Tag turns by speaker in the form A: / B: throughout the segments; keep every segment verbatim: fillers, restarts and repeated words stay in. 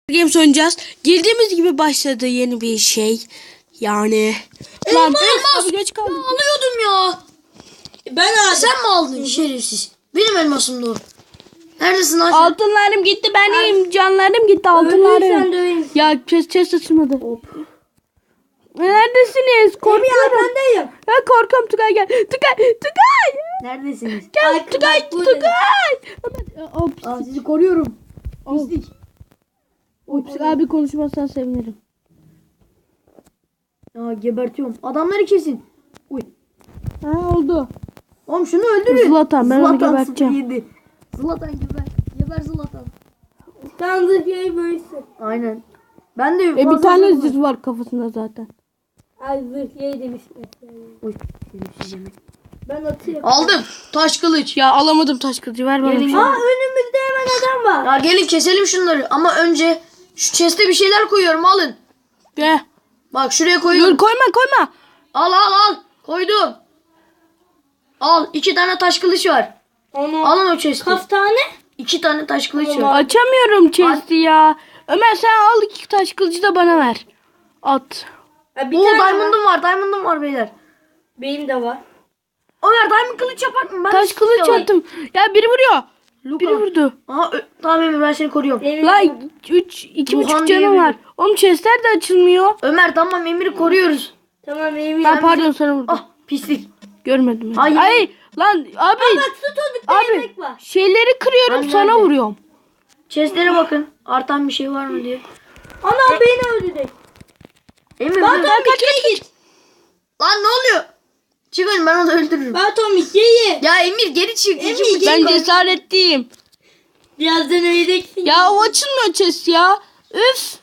A: Games oynayacağız. Girdiğimiz gibi başladı yeni bir şey. Yani. Lan
B: Elmas.
A: abi geç kaldım.
B: Ya alıyordum ya. Ben aldım. Sen mi aldın şerefsiz? Benim elmasım da o. Neredesin lan?
A: Altınlarım gitti benim. Canlarım gitti altınlarım. Ya chest chest açılmadı. Neredesiniz? Korkuyorum.
B: Arkandayım.
A: Ya korkuyorum Tugay gel. Tugay Tugay.
B: Neredesiniz?
A: Gel
B: Ay,
A: Tugay
B: bak burada.
A: Tugay. Hop.
B: Aa, sizi koruyorum.
A: Hop.
B: Pislik.
A: Hop. Abi konuşmazsan sevinirim.
B: Ya gebertiyorum. Adamları kesin. Uy.
A: Ha oldu.
B: Oğlum şunu öldürün.
A: Zlatan, ben onu
B: Zlatan
A: geberteceğim.
B: sıfır yedi. Zlatan geber. Geber Zlatan.
C: Tanrı şey böylesin.
B: Aynen. Ben de
A: E bir
B: fazla
A: tane
B: zırh var.
A: zırh var kafasında zaten.
C: Ay zırh şey demiştim.
B: Uy. şerefsiz yemek.
C: Ben atayım.
B: Aldım. Taş kılıç.
A: Ya alamadım taş kılıcı ver bana.
B: Gelin,
A: bir şey.
B: gelin.
C: Aa önümüzde hemen adam var.
B: Ya gelin keselim şunları. Ama önce şu chest'e bir şeyler koyuyorum. Alın.
A: Gel.
B: Bak şuraya koyuyorum.
A: Dur koyma koyma.
B: Al al al. Koydum. Al. iki tane taş kılıç var.
C: Onu
B: Alın o chest'i.
C: kaftane.
B: İki tane taş kılıç var.
A: Açamıyorum chest'i ya. Ömer sen al iki taş kılıcı da bana ver. At.
C: Ha, bir
B: Oo
C: tane var.
B: diamond'ım var. Diamond'ım var beyler.
C: Benim de var.
B: Ömer diamond kılıç yapar mı? Ben
A: Taş
B: de
A: kılıç
B: istiyorum.
A: attım. Ya biri vuruyor.
B: Luka.
A: Biri vurdu.
B: Aha ö- tamam Emir ben seni koruyorum.
C: Benim de
A: Lan
C: var.
A: üç, iki
B: Duhan
A: buçuk
B: diye
A: canım
B: biri.
A: var. Oğlum chest'ler de açılmıyor.
B: Ömer tamam Emir'i koruyoruz.
C: Tamam benim
A: Ben
C: de.
A: pardon sana vurdum.
B: Ah pislik.
A: Görmedim.
B: Hayır.
A: Ay lan abi.
C: Bak su tozlukta
A: Abi
C: yemek var.
A: şeyleri kırıyorum
B: Lan
A: sana
B: nerede?
A: vuruyorum.
B: Chest'lere bakın. Artan bir şey var mı diye.
C: Ana beni öldürecek.
B: Emir
C: Lan
B: dur.
C: Tomik geri git.
B: Lan ne oluyor? Çıkın ben onu öldürürüm.
C: Ben Tomik geri.
B: Ya Emir geri çık.
C: Emir,
B: İki buçuk-
A: Ben cesaretliyim.
C: Birazdan öleceksin.
A: Ya o açılmıyor chest ya. Üf.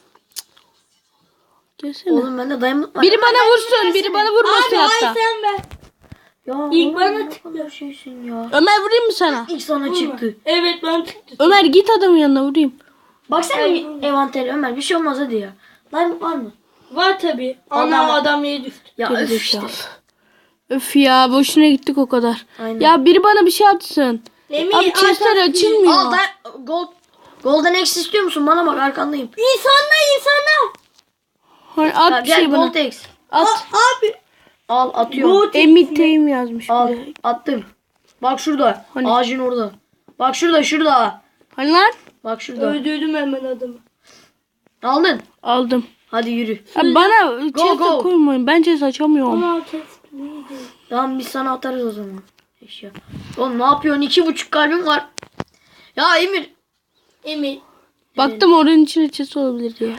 A: Gelsene.
B: Oğlum bende diamond var.
A: Biri bana vursun, biri bana vurmasın
C: Abi ay
A: hatta.
C: sen ver.
B: Ya
C: İlk
B: oğlum,
C: bana
B: ne
C: tıktı.
B: kadar şeysin ya.
A: Ömer vurayım mı sana?
B: İlk sana çıktı.
C: Evet ben çıktı.
A: Ömer git adamın yanına vurayım.
B: Baksana
C: Ay.
B: envantere Ömer bir şey olmaz hadi ya. Diamond var mı?
C: Var tabi.
B: Adam-
C: Ana adam yere düştü.
B: Ya
A: Geri
B: öf işte.
A: zekalı. Öf ya boşuna gittik o kadar.
B: Aynen.
A: Ya biri bana bir şey atsın.
C: Emir
A: Abi chestler
C: arkan-
A: açılmıyor.
B: Al da gold. Golden X istiyor musun? Bana bak arkandayım.
C: İnsanlar insanlar.
A: Hayır,
B: Ya
A: at bir
B: gel
A: şey bana.
B: Gold X.
A: At.
C: Abi.
B: Al atıyorum.
A: Emiteyim yazmış.
B: Al
A: bir de.
B: attım. Bak şurada.
A: Hani?
B: Ağacın orada. Bak şurada şurada.
A: Hani lan?
B: Bak şurada.
C: Öldürdüm hemen adamı.
B: Aldın.
A: Aldım.
B: Hadi yürü.
A: Ya bana chest
B: go.
A: koymayın. Ben chest açamıyorum.
C: Ama test neydi?
B: Tamam biz sana atarız o zaman. Eşya. Oğlum ne yapıyorsun? İki buçuk kalbim var. Ya Emir.
C: Emir.
A: Baktım oranın içine chest olabilir diye.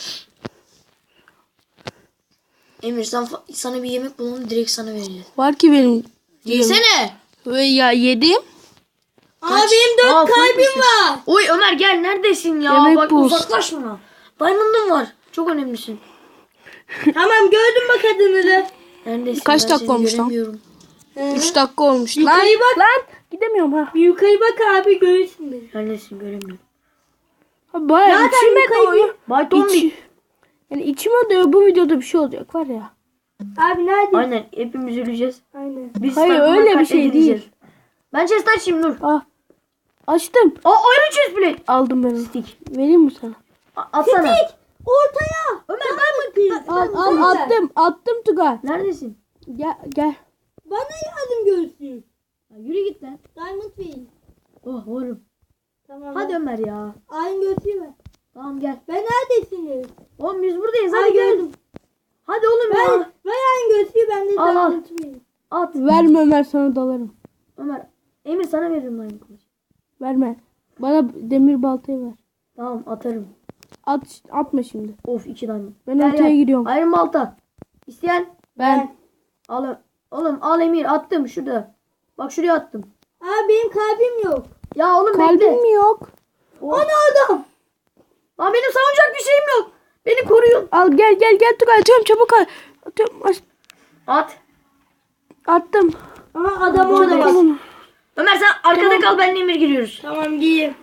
B: Emir sen, sana bir yemek bulalım direkt sana vereceğiz.
A: Var ki benim.
B: Yesene.
A: Ve ya yedim.
C: Abi benim
B: Aa,
C: dört kalbim
B: fullmüşsün.
C: var.
B: Oy Ömer gel neredesin ya?
A: Yemek
B: Bak
A: bul.
B: uzaklaşma. Diamond'ım var. Çok önemlisin.
C: Tamam gördüm bak adını.
B: Neredesin?
A: Kaç
B: Ben
A: dakika
B: seni
A: olmuş lan?
B: göremiyorum.
A: üç dakika olmuş. Lan,
C: Yukarı bak.
A: lan gidemiyorum ha.
C: Bir yukarı bak abi görürsün beni.
B: Neredesin göremiyorum.
A: Ha, Bayağı
C: Zaten
A: içime
C: yukarı
A: doyuyor.
B: Bay Tombi.
A: İç, yani içime doyuyor. Bu videoda bir şey olacak var ya.
C: Abi nerede?
B: Aynen hepimiz öleceğiz.
C: Aynen.
B: Biz
A: Hayır,
B: farklı
A: öyle bir
B: farklı
A: şey
B: edileceğiz.
A: değil.
B: Ben chest açayım dur.
A: Ah. Açtım.
B: Aa ayrı chest plate.
A: Aldım ben onu.
B: Stick.
A: Vereyim mi sana?
B: A- Atsana.
C: Ortaya.
B: Ömer diamond.
A: Al al attım. Attım Tugay.
B: Neredesin?
A: Gel gel.
C: Bana yardım görsün.
B: Ya yürü git lan.
C: Diamond verin.
B: Oh oğlum.
C: Tamam.
B: Hadi Ömer ya.
C: Aynı görsün ver.
B: Tamam gel.
C: Ben neredesiniz?
B: Oğlum biz buradayız.
C: Ay
B: Hadi gel.
C: gördüm.
B: Hadi oğlum
C: Ver,
B: ya.
C: ver aynı görsün ben de
B: Al, al.
C: diamond verin.
B: At.
A: Verme Ömer sana dalarım.
B: Ömer. Emir sana veririm lan kılıç.
A: Verme. Bana demir baltayı ver.
B: Tamam atarım.
A: At atma şimdi.
B: Of iki tane.
A: Ben
B: Gel,
A: ortaya
B: gel.
A: gidiyorum.
B: Ayrım balta. İsteyen.
A: Ben.
B: Al. Oğlum al Emir attım şurada. Bak şuraya attım.
C: Abi benim kalbim yok.
B: Ya oğlum
A: Kalbim
B: bekle.
A: mi yok?
B: Ana adam. Lan benim savunacak bir şeyim yok. Beni koruyun.
A: Al gel gel gel Tugay atıyorum çabuk al. Atıyorum. Aç-
B: At.
A: Attım.
C: Aha adam
B: Şurada
C: orada
B: bak.
C: bak.
A: Tamam.
B: Ömer sen arkada kal benle Emir giriyoruz.
C: Tamam giyeyim.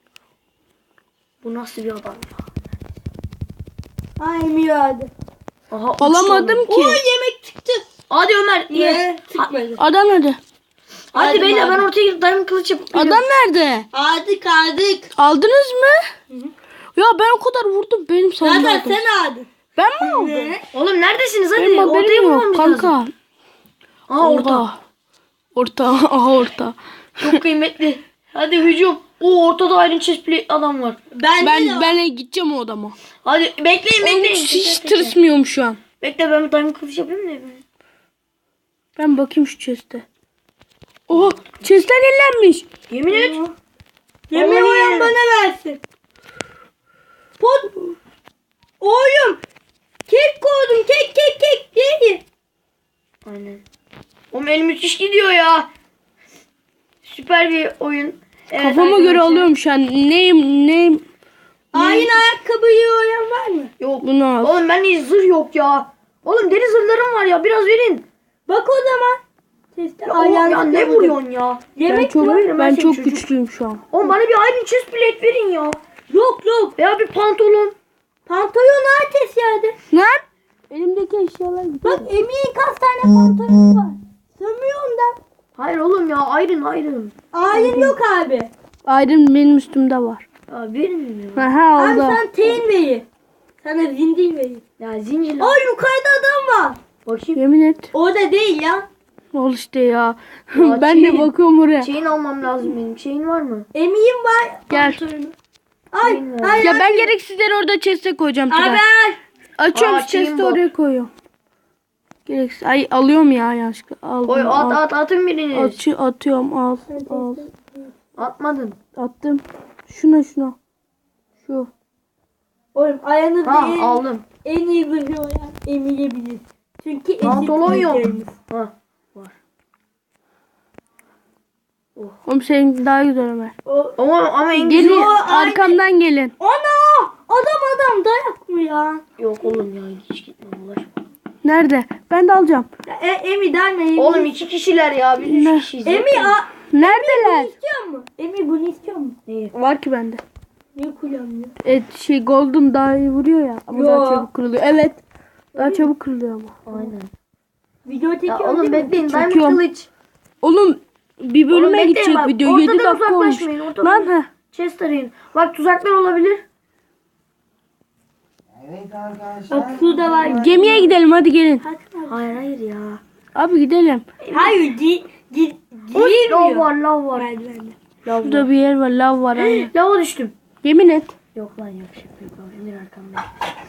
B: Bu nasıl bir adam ya?
C: Ha Emir hadi.
B: Aha, uçtu
A: Alamadım
B: oğlum.
A: ki.
C: Oy yemek çıktı.
B: Hadi Ömer ye.
C: Ne? Çıkmadı.
A: Adam nerede?
B: Hadi
C: Hadi
B: beyler ben
C: madem.
B: ortaya gidip diamond kılıç yapıp
A: Adam nerede?
C: Aldık aldık.
A: Aldınız mı? Ya ben o kadar vurdum. Benim
C: Zaten
A: sandım.
C: sen aldın.
A: Ben mi aldım?
C: Ne?
B: Oğlum neredesiniz hadi?
A: Benim
B: Ortaya
A: haberim yok
B: bulmamız
A: kanka.
B: lazım. Aa orta.
A: Oha. Orta. Aha orta.
B: Çok kıymetli. Hadi hücum. O ortada Iron Chest Plate adam var.
C: Ben,
A: Ben ben gideceğim o adama.
B: Hadi bekleyin
A: Oğlum
B: bekleyin.
A: hiç, hiç
B: Tekrar, tekrar.
A: tırsmıyorum şu an.
B: Bekle ben bir diamond kılıç yapayım mı?
A: Ben bakayım şu chest'e. Oha chest'ten ellenmiş.
B: Yemin et.
C: Yemin
B: Vallahi
C: olan
B: yerim.
C: bana versin. Pot. Oğlum. Kek koydum. Kek kek kek. Değil.
B: Aynen. Oğlum el müthiş gidiyor ya. Süper bir oyun. Evet,
A: Kafama göre
B: arkadaşlar.
A: alıyorum şu an. Neyim neyim.
C: Aynı ayakkabıyı olan var mı?
B: Yok.
A: Bunu al.
B: Oğlum bende zırh yok ya. Oğlum deri zırhlarım var ya biraz verin.
C: Bak o zaman. Testi
B: Ya, oğlum, ya ne vuruyorsun ya?
A: Ben
C: Yemek
A: çok
C: yok.
B: verin, ben
A: ben
B: senin
A: çok
B: çocuk.
A: güçlüyüm şu an.
B: Oğlum bana bir Iron Chest Plate verin ya.
C: Yok yok.
B: Veya bir pantolon.
C: Pantolon ateş yerde.
A: Lan? Elimdeki eşyalar gidiyor.
C: Bak Emir'in kaç tane pantolonu var. Sığmıyorum da.
B: Hayır oğlum ya Iron Iron.
C: Ayin yok abi.
A: Iron benim üstümde var.
B: Ya verin ya.
A: Aha
C: Abi
A: oldu.
C: sen teyin veyi. Sana zindil veyi.
B: Ya zincirler.
C: Ay yukarıda adam var.
B: Bakayım.
A: Yemin et.
C: Orada değil ya.
A: Ol işte ya.
B: Ya
A: ben de
B: çiğ.
A: bakıyorum oraya.
B: Şeyin almam lazım benim. Şeyin var mı?
C: Emir'in var.
A: Gel.
C: pantolonu. Ay,
B: Şeyin var.
C: ay,
A: Ya
C: ay.
A: ben gereksizleri orada chest'e koyacağım.
C: Abi
A: Tugay.
C: ay.
A: Açıyorum
B: Aa,
A: şu chest'i
B: chain bot.
A: oraya koyuyorum. Gereksiz. Ay alıyorum ya yanlışlıkla. Al,
B: Koy
A: bunu,
B: at
A: al.
B: at atın biriniz.
A: Atı, atıyorum al. Al.
B: Atmadın.
A: Attım. Şuna şuna. Şu.
C: Oğlum ayağını
B: Ha
C: değil.
B: aldım.
C: En iyi bir olan Emir'e bilir. Çünkü eşit
B: Pantolon yok.
C: büyüklerimiz.
B: Ha.
A: Oğlum senin daha güzel Ömer.
C: O,
B: Ama ama en
A: Gelin
B: güzel.
A: arkamdan gelin.
C: ana! Adam adam dayak mı ya?
B: Yok oğlum ya hiç gitme ulaşma.
A: Nerede? Ben de alacağım.
C: E, Emi derme Emi.
B: Oğlum iki kişiler ya biz
A: Ne?
B: üç kişiyiz.
C: Emi a,
A: Neredeler?
C: istiyor mu? Emi bunu istiyor mu?
B: Neyi?
A: Var ki bende.
C: Niye kullanmıyor?
A: Evet şey golden daha iyi vuruyor ya. Ama
C: Yo.
A: daha çabuk kırılıyor. Evet. Daha çabuk kırılıyor ama.
B: Aynen.
C: Video
B: Ya
C: çekiyor
B: oğlum
C: değil mi?
B: bekleyin diamond
A: Çekiyorum.
B: kılıç.
A: Oğlum bir
B: Oğlum
A: bölüme
B: bekleyin
A: gidecek
B: bak,
A: video. yedi
B: ortadan
A: dakika olmuş.
B: uzaklaşmayın, ortadan.
A: Lan ha.
B: Chest arayın. Bak tuzaklar olabilir.
D: Evet arkadaşlar.
C: Bak şurada var.
A: Gemiye gidelim hadi gelin.
B: Hayır hayır ya.
A: Abi gidelim.
C: Hayır di, di,
B: Oy, lav
C: girmiyor.
B: var lav var.
C: Merdivende.
B: Lav var.
A: Şurada bir yer var. Lav var. Aynen.
B: Lava düştüm.
A: Yemin et.
B: Yok lan yok şaka yok. Emir arkamda.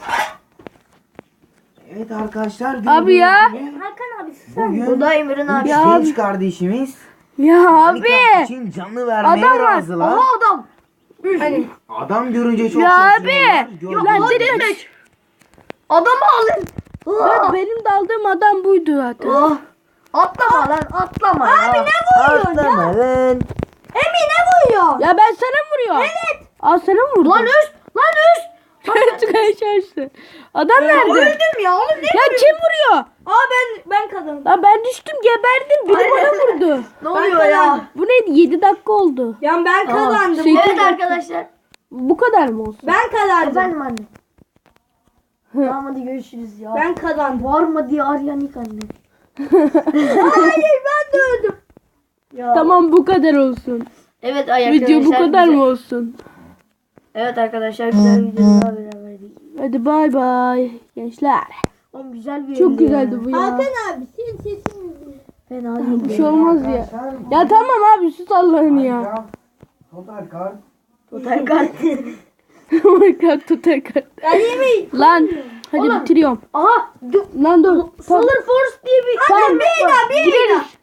D: Evet arkadaşlar.
A: Abi ya.
D: gördüğünüz gibi
C: Hakan abi sen.
D: Bugün
B: Bu da Emir'in abi.
A: Ya
D: genç
A: abi.
D: kardeşimiz
A: Ya
D: Minecraft
A: abi.
D: için canlı vermeye
A: Adam var.
D: razılar.
B: Aha adam.
D: Adam görünce çok
A: Ya
D: şaşırıyorlar.
A: abi.
D: Gördüğünüz
A: Lan
D: gibi-
A: dedim.
B: Adamı alın.
A: Ben, benim de aldığım adam buydu zaten.
B: Ah. Atlama lan atlama ya. Abi ne
D: Atlama lan.
C: Emi ne vuruyor?
A: Ya ben sana mı vuruyorum? Evet. Aa sana mı vurdum?
B: Lan üst. Lan üst.
A: Tugay çarşı. Adam nerede?
B: Öldüm ya oğlum ne?
A: Ya kim vuruyor?
C: Aa ben ben kazandım.
A: Lan ben düştüm geberdim. Biri bana vurdu.
B: Ne oluyor ya?
A: Bu neydi? yedi dakika oldu.
C: Ya ben kazandım.
A: şey-
B: Evet arkadaşlar.
A: Bu kadar mı olsun?
C: Ben kazandım.
B: Efendim anne. Tamam hadi görüşürüz ya.
C: Ben kazandım.
B: Var mı diye arayan ilk anne.
C: Hayır ben de öldüm.
B: Ya.
A: Tamam bu kadar olsun.
B: Evet ay arkadaşlar.
A: Video bu kadar
B: güzel-
A: mı olsun?
B: Evet arkadaşlar güzel bir video daha beraberdik.
A: Hadi bay bay gençler.
B: Oğlum güzel bir
A: Çok
B: video
A: güzeldi
B: ya.
A: bu ya.
C: Hakan abi senin sesin
B: Fena değil.
A: Bir şey olmaz ya. Ya tamam abi sus Allah'ın ya.
D: Minecraft Total Kart.
B: Total kart.
A: Minecraft tutar kart.
C: Ben yemeği.
A: Lan hadi
B: Oğlum.
A: bitiriyorum.
B: Aha. Du-
A: Lan dur. Tamam.
B: Solar Force diye bir
A: Tamam.
B: bir daha bir
A: Gireriz.